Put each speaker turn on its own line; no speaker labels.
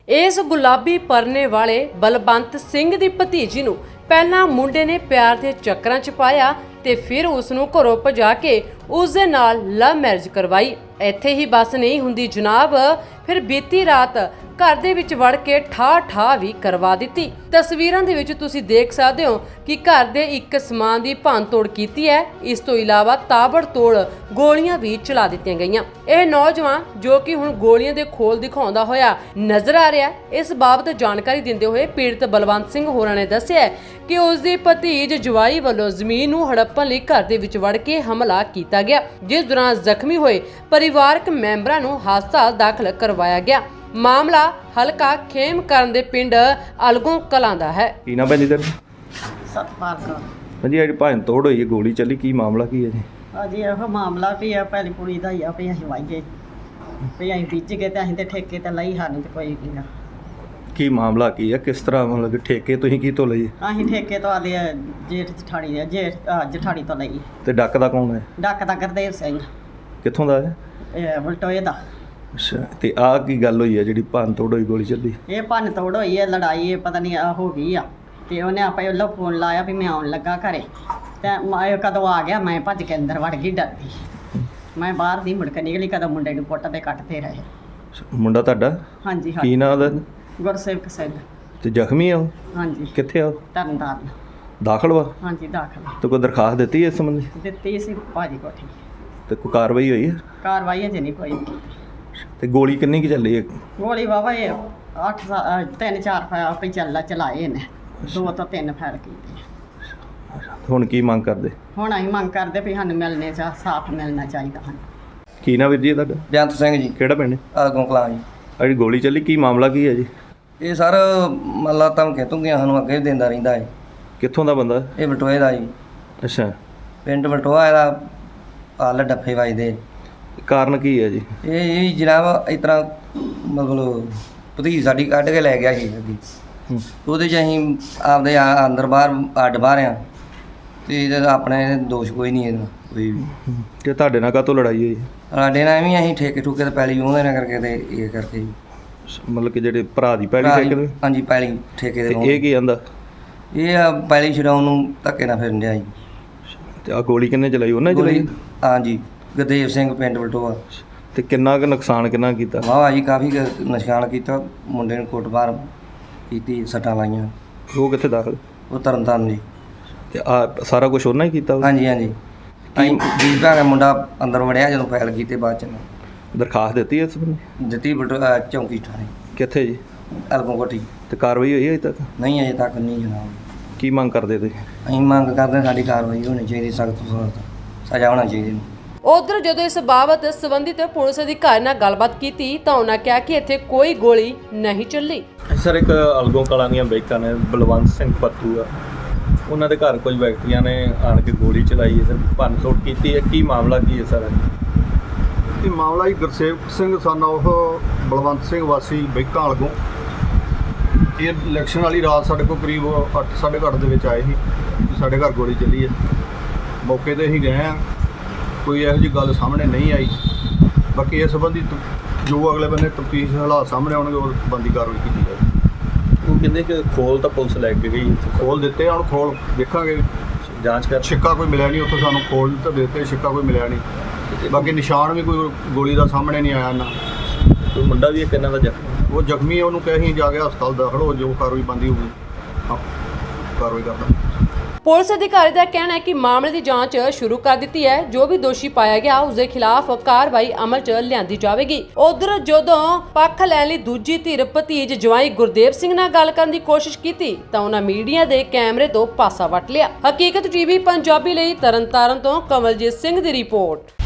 इस गुलाबी परने वाले बलवंत सिंह दी भतीजी नूं पहलां मुंडे ने प्यार दे चक्करां च पाया ते फिर उस नूं घरों भजा के उस दे नाल लव मैरिज करवाई। ਇੱਥੇ ही बस नहीं हुंदी जनाब, फिर बीती रात घर ਦੇ ਵਿੱਚ ਵੜ ਕੇ ਠਾ ਵੀ ਕਰਵਾ ਦਿੱਤੀ। ਤਸਵੀਰਾਂ ਦੇ ਵਿੱਚ ਤੁਸੀਂ ਦੇਖ ਸਕਦੇ ਹੋ ਕਿ ਘਰ ਦੇ ਇੱਕ ਸਮਾਨ ਦੀ ਭੰਨਤੋੜ ਕੀਤੀ ਹੈ। ਇਸ ਤੋਂ ਇਲਾਵਾ ਤਾਬੜਤੋੜ ਗੋਲੀਆਂ ਵੀ ਚਲਾ ਦਿੱਤੀਆਂ ਗਈਆਂ। ਇਹ ਨੌਜਵਾਨ ਜੋ ਕਿ ਹੁਣ ਗੋਲੀਆਂ ਦੇ ਖੋਲ ਦਿਖਾਉਂਦਾ ਹੋਇਆ ਨਜ਼ਰ ਆ ਰਿਹਾ ਹੈ। ਇਸ ਬਾਬਤ ਜਾਣਕਾਰੀ ਦਿੰਦੇ ਹੋਏ ਪੀੜਤ ਬਲਵੰਤ ਸਿੰਘ ਹੋਰਾਂ ਨੇ ਦੱਸਿਆ ਕਿ ਉਸ ਦੀ ਭਤੀਜ ਜਵਾਈ ਵੱਲੋਂ ਜ਼ਮੀਨ ਨੂੰ ਹੜੱਪਣ ਲਈ ਘਰ ਦੇ ਵਿੱਚ ਵੜ ਕੇ ਹਮਲਾ ਕੀਤਾ ਗਿਆ, ਜਿਸ ਦੌਰਾਨ ਜ਼ਖਮੀ ਹੋਏ ਪਰਿਵਾਰਕ ਮੈਂਬਰਾਂ ਨੂੰ ਹਸਪਤਾਲ ਦਾਖਲ ਕਰਵਾਇਆ ਗਿਆ। ਮਾਮਲਾ ਹਲਕਾ ਖੇਮਕਰਨ ਦੇ ਪਿੰਡ ਅਲਗੋਂ ਕਲਾਂ ਦਾ ਹੈ।
ਕੀ ਨਾ ਭੈਣ ਜੀ ਤੇਰਾ?
ਸਤਪਾਲ ਕੌਰ।
ਹਾਂਜੀ ਅੱਜ ਭੈਣ ਤੋੜ ਹੋਈ ਹੈ, ਗੋਲੀ ਚੱਲੀ, ਕੀ ਮਾਮਲਾ ਕੀ ਹੈ ਜੀ?
ਅਜੀ ਇਹੋ ਮਾਮਲਾ ਵੀ ਆ, ਪਹਿਲੀ ਕੁੜੀ ਦਾ ਹੀ ਆ ਵੀ ਅਸੀਂ ਵਾਈਏ ਵੀ ਅਸੀਂ ਬੀਜ ਗਏ ਤੇ ਅਸੀਂ ਤੇ ਠੇਕੇ ਤੇ ਲਈ, ਸਾਨੂੰ ਤੇ ਕੋਈ ਨਹੀਂ ਗਾ।
ਕੀ ਮਾਮਲਾ ਕੀ ਹੈ, ਕਿਸ ਤਰ੍ਹਾਂ ਮਤਲਬ ਕਿ ਠੇਕੇ ਤੁਸੀਂ ਕੀ ਤੋਂ ਲਈ?
ਅਸੀਂ ਠੇਕੇ ਤੋਂ ਆਦੇ ਜੇਠ ਜਠਾਣੀ ਤੋਂ ਲਈ।
ਤੇ ਡੱਕ ਦਾ ਕੌਣ ਹੈ?
ਡੱਕ ਦਾ ਗੁਰਦੇਵ ਸਿੰਘ,
ਕਿੱਥੋਂ ਦਾ ਹੈ?
ਇਹ ਵਲਟੋਏ ਦਾ।
ਅੱਛਾ, ਤੇ ਆਹ ਕੀ ਗੱਲ ਹੋਈ ਹੈ ਜਿਹੜੀ ਭੰਨ ਤੋੜ ਹੋਈ, ਗੋਲੀ ਚੱਲੀ?
ਇਹ ਭੰਨ ਤੋੜ ਹੋਈ ਹੈ, ਲੜਾਈ ਪਤਾ ਨਹੀਂ ਹੋ ਗਈ ਆ ਤੇ ਉਹਨੇ ਆਪੇ ਉਹਲਾ ਫੋਨ ਲਾਇਆ ਵੀ ਮੈਂ ਆਉਣ ਲੱਗਾ ਘਰੇ ਤੇ ਮੈਂ ਕਦੋਂ ਆ ਗਿਆ, ਮੈਂ ਭੱਜ ਕੇ ਅੰਦਰ ਵੜ ਗਈ ਡਰਦੀ। ਮੈਂ ਬਾਹਰ ਦੀ ਮੁੜ ਕੇ ਨਿਕਲੀ, ਕਦੋਂ ਮੁੰਡੇ ਨੂੰ ਪੁੱਟ ਤੇ ਕੱਟਦੇ ਰਹੇ।
ਮੁੰਡਾ ਤੁਹਾਡਾ?
ਹਾਂਜੀ
ਕੀ
ਹਾਂਜੀ,
ਨਾਂ ਉਹਦਾ?
ਗੁਰਸੇਵਕ ਸਿੰਘ।
ਤੇ ਜ਼ਖਮੀ ਆ ਉਹ?
ਹਾਂਜੀ,
ਕਿੱਥੇ ਆ ਉਹ?
ਤਰਨਤਾਰਨ।
ਦਾਖਲ ਵਾ?
ਹਾਂਜੀ ਦਾਖਲ
ਤੇ ਕੋਈ ਦਰਖਾਸਤ ਦਿੱਤੀ ਇਸ ਸੰਬੰਧੀ?
ਦਿੱਤੀ ਸੀ ਭਾਜੀ ਕੋਠੀ।
ਤੇ ਕੋਈ ਕਾਰਵਾਈ ਹੋਈ ਹੈ?
ਕਾਰਵਾਈ ਅਜੇ ਨਹੀਂ ਕੋਈ।
ਤੇ ਗੋਲੀ ਕਿੰਨੀ ਕੀ ਚੱਲੀ ਹੈ?
ਗੋਲੀ ਵਾਵਾ ਇਹ 3-4 ਫਾਇਰ ਚਲਾਏ ਨੇ, 2 ਤੋਂ 3 ਫਾਇਰ ਕੀਤੇ।
ਹੁਣ ਕੀ ਮੰਗ ਕਰਦੇ?
ਹੁਣ ਅਸੀਂ ਮੰਗ ਕਰਦੇ ਵੀ ਸਾਨੂੰ ਮਿਲਣੇ ਸਾਫ਼ ਮਿਲਣਾ ਚਾਹੀਦਾ ਹਨ।
ਕੀ ਨਾ ਵੀਰ ਜੀ ਤੁਹਾਡਾ?
ਬੇਅੰਤ ਸਿੰਘ ਜੀ,
ਕਿਹੜਾ ਪਿੰਡ?
ਆਗੋਂ ਕਲਾਂ ਜੀ।
ਜਿਹੜੀ ਗੋਲੀ ਚੱਲੀ ਕੀ ਮਾਮਲਾ ਕੀ ਹੈ ਜੀ?
ਇਹ ਸਰ ਮੱਲਾ ਧਮਕੀਆਂ ਧਮਕੀਆਂ ਸਾਨੂੰ ਅੱਗੇ ਵੀ ਦਿੰਦਾ ਰਹਿੰਦਾ ਹੈ।
ਕਿੱਥੋਂ ਦਾ ਬੰਦਾ?
ਇਹ ਬਟੋਏ ਦਾ ਜੀ,
ਅੱਛਾ,
ਪਿੰਡ ਬਟੋਆ। ਇਹਦਾ ਆਲ ਡੱਫੇ ਵੱਜਦੇ।
ਕਾਰਨ ਕੀ ਹੈ ਜੀ?
ਇਹ ਜਨਾਬ ਇਸ ਤਰ੍ਹਾਂ ਮਤਲਬ ਭਤੀਜ ਸਾਡੀ ਕੱਢ ਕੇ ਲੈ ਗਿਆ ਸੀ ਅੱਗੇ। ਉਹਦੇ 'ਚ ਅਸੀਂ ਆਪਦੇ ਅੰਦਰ ਬਾਹਰ ਅੱਡ ਬਾਹਰ ਆ ਅਤੇ ਇਹਦਾ ਆਪਣੇ ਦੋਸ਼ ਕੋਈ ਨਹੀਂ ਇਹਦਾ ਕੋਈ ਵੀ।
ਤੇ ਤੁਹਾਡੇ ਨਾਲ ਕਾਹਤੋਂ ਲੜਾਈ ਹੋਈ?
ਸਾਡੇ ਨਾਲ ਐਵੇਂ ਅਸੀਂ ਠੇਕੇ ਠੂਕੇ ਤੇ ਪੈਲੀ ਉਹਦੇ ਨਾਲ ਕਰਕੇ ਤੇ ਇਹ ਕਰਕੇ ਜੀ।
ਮਤਲਬ ਕਿ ਜਿਹੜੇ ਭਰਾ ਦੀ ਪੈਲੀ ਠੇਕੇ ਤੇ?
ਹਾਂਜੀ, ਪੈਲੀ ਠੇਕੇ
ਤੇ
ਤੇ।
ਇਹ ਕੀ ਆਂਦਾ?
ਇਹ ਆ ਪੈਲੀ ਛਡਾਉਣ ਨੂੰ ਧੱਕੇ ਨਾਲ ਫਿਰਨ ਡਿਆ ਜੀ।
ਤੇ ਆ ਗੋਲੀ ਕਿੰਨੇ ਚਲਾਈ? ਉਹਨੇ ਚਲਾਈ?
ਹਾਂਜੀ, ਗੁਰਦੇਵ ਸਿੰਘ, ਪਿੰਡ ਬਲਟੋਆ।
ਤੇ ਕਿੰਨਾ ਕੁ ਨੁਕਸਾਨ ਕਿੰਨਾ ਕੀਤਾ?
ਵਾਹ ਜੀ, ਕਾਫੀ ਨਿਸ਼ਾਨ ਕੀਤਾ। ਮੁੰਡੇ ਨੂੰ ਕੁੱਟਮਾਰ ਕੀਤੀ, ਸੱਟਾਂ ਲਾਈਆਂ।
ਉਹ ਕਿੱਥੇ ਦਾਖਲ?
ਉਹ ਤਰਨਤਾਰਨ ਜੀ।
ਤੇ ਆ ਸਾਰਾ ਕੁਝ ਉਹਨਾਂ ਹੀ ਕੀਤਾ?
ਹਾਂਜੀ ਹਾਂਜੀ, ਅਸੀਂ ਜੀਤ ਭਾ ਮੁੰਡਾ ਅੰਦਰ ਵੜਿਆ ਜਦੋਂ ਫਾਇਲ ਕੀਤੇ ਬਾਅਦ ਚ
ਦਰਖਾਸਤ ਦਿੱਤੀ ਇਸ ਬੰਦੇ?
ਦਿੱਤੀ ਚੌਂਕੀ ਥਾਣੇ।
ਕਿੱਥੇ ਜੀ?
ਅਲਗੋਂ ਕੋਠੀ।
ਤੇ ਕਾਰਵਾਈ ਹੋਈ ਹੈ ਅਜੇ ਤੱਕ?
ਨਹੀਂ ਅਜੇ ਤੱਕ ਨਹੀਂ ਜਨਾਬ।
ਕੀ ਮੰਗ ਕਰਦੇ ਤੁਸੀਂ?
ਅਸੀਂ ਮੰਗ ਕਰਦੇ ਸਾਡੀ ਕਾਰਵਾਈ ਹੋਣੀ ਚਾਹੀਦੀ, ਸਖਤ ਤੋਂ ਸਖਤ ਸਜ਼ਾ ਹੋਣਾ ਚਾਹੀਦੀ।
ਉਧਰ ਜਦੋਂ ਇਸ ਬਾਬਤ ਸੰਬੰਧਿਤ ਪੁਲਿਸ ਅਧਿਕਾਰੀ ਨਾਲ ਗੱਲਬਾਤ ਕੀਤੀ ਤਾਂ ਉਹਨਾਂ ਕਿਹਾ ਕਿ ਇੱਥੇ ਕੋਈ ਗੋਲੀ ਨਹੀਂ ਚੱਲੀ।
ਸਰ, ਇੱਕ ਅਲਗੋਂ ਕਲਾਂ ਦੀਆਂ ਬੈਕਾਂ ਨੇ ਬਲਵੰਤ ਸਿੰਘ ਪੱਤੂ ਆ, ਉਹਨਾਂ ਦੇ ਘਰ ਕੁਝ ਵਿਅਕਤੀਆਂ ਨੇ ਆਣ ਕੇ ਗੋਲੀ ਚਲਾਈ ਹੈ ਸਰ, ਭੰਨ ਤੋੜ ਕੀਤੀ ਹੈ। ਕੀ ਮਾਮਲਾ ਕੀ ਹੈ ਸਰ?
ਇਹ ਮਾਮਲਾ ਜੀ ਗੁਰਸੇਵਕ ਸਿੰਘ ਸਨ ਉਹ ਬਲਵੰਤ ਸਿੰਘ ਵਾਸੀ ਬੈਕਾਂ ਅਲਗੋਂ। ਇਹ ਇਲੈਕਸ਼ਨ ਵਾਲੀ ਰਾਤ ਸਾਡੇ ਕੋਲ ਕਰੀਬ 8:30 ਦੇ ਵਿੱਚ ਆਏ ਸੀ, ਸਾਡੇ ਘਰ ਗੋਲੀ ਚੱਲੀ ਹੈ। ਮੌਕੇ 'ਤੇ ਅਸੀਂ ਗਏ ਹਾਂ, ਕੋਈ ਇਹੋ ਜਿਹੀ ਗੱਲ ਸਾਹਮਣੇ ਨਹੀਂ ਆਈ। ਬਾਕੀ ਇਸ ਸੰਬੰਧੀ ਜੋ ਅਗਲੇ ਬੰਨੇ ਤਫਤੀਸ਼ ਹਾਲਾਤ ਸਾਹਮਣੇ ਆਉਣਗੇ ਉਹ ਬੰਦੀ ਕਾਰਵਾਈ ਕੀਤੀ ਜਾਵੇਗੀ।
ਉਹ ਕਹਿੰਦੇ ਕਿ ਖੋਲ ਤਾਂ ਪੁਲਿਸ ਲੈ ਕੇ ਗਈ,
ਖੋਲ ਦਿੱਤੇ, ਹੁਣ ਖੋਲ ਦੇਖਾਂਗੇ,
ਜਾਂਚ ਕਰ।
ਛਿੱਕਾ ਕੋਈ ਮਿਲਿਆ ਨਹੀਂ ਉੱਥੋਂ, ਸਾਨੂੰ ਖੋਲ ਤਾਂ ਦਿੱਤੇ, ਛਿੱਕਾ ਕੋਈ ਮਿਲਿਆ ਨਹੀਂ। ਬਾਕੀ ਨਿਸ਼ਾਨ ਵੀ ਕੋਈ ਗੋਲੀ ਦਾ ਸਾਹਮਣੇ ਨਹੀਂ ਆਇਆ ਨਾ।
ਕੋਈ ਮੁੰਡਾ ਵੀ ਇੱਕ ਇਹਨਾਂ ਦਾ ਜ਼ਖਮੀ?
ਉਹ ਜ਼ਖਮੀ ਹੈ, ਉਹਨੂੰ ਕਹੇ ਜਾ ਕੇ ਹਸਪਤਾਲ ਦਾਖਲ ਹੋ, ਜੋ ਕਾਰਵਾਈ ਬੰਦੀ ਹੋਊਗੀ ਕਾਰਵਾਈ ਕਰਦਾ।
ਪੁਲਿਸ ਅਧਿਕਾਰੀ ਦਾ ਕਹਿਣਾ ਹੈ ਕਿ ਮਾਮਲੇ ਦੀ ਜਾਂਚ ਸ਼ੁਰੂ ਕਰ ਦਿੱਤੀ ਹੈ। ਜੋ ਵੀ ਦੋਸ਼ੀ ਪਾਇਆ ਗਿਆ ਉਸ ਦੇ ਖਿਲਾਫ ਕਾਰਵਾਈ ਅਮਲ 'ਚ ਲਿਆਂਦੀ ਜਾਵੇਗੀ। ਉਧਰ ਜਦੋਂ ਪੱਖ ਲੈਣ ਲਈ ਦੂਜੀ ਧਿਰ ਭਤੀਜ ਜਵਾਈ ਗੁਰਦੇਵ ਸਿੰਘ ਨਾਲ ਗੱਲ ਕਰਨ ਦੀ ਕੋਸ਼ਿਸ਼ ਕੀਤੀ ਤਾਂ ਉਹਨਾਂ ਮੀਡੀਆ ਦੇ ਕੈਮਰੇ ਤੋਂ ਪਾਸਾ ਵੱਟ ਲਿਆ। ਹਕੀਕਤ ਟੀਵੀ ਪੰਜਾਬੀ ਲਈ ਤਰਨਤਾਰਨ ਤੋਂ ਕਮਲਜੀਤ ਸਿੰਘ ਦੀ ਰਿਪੋਰਟ।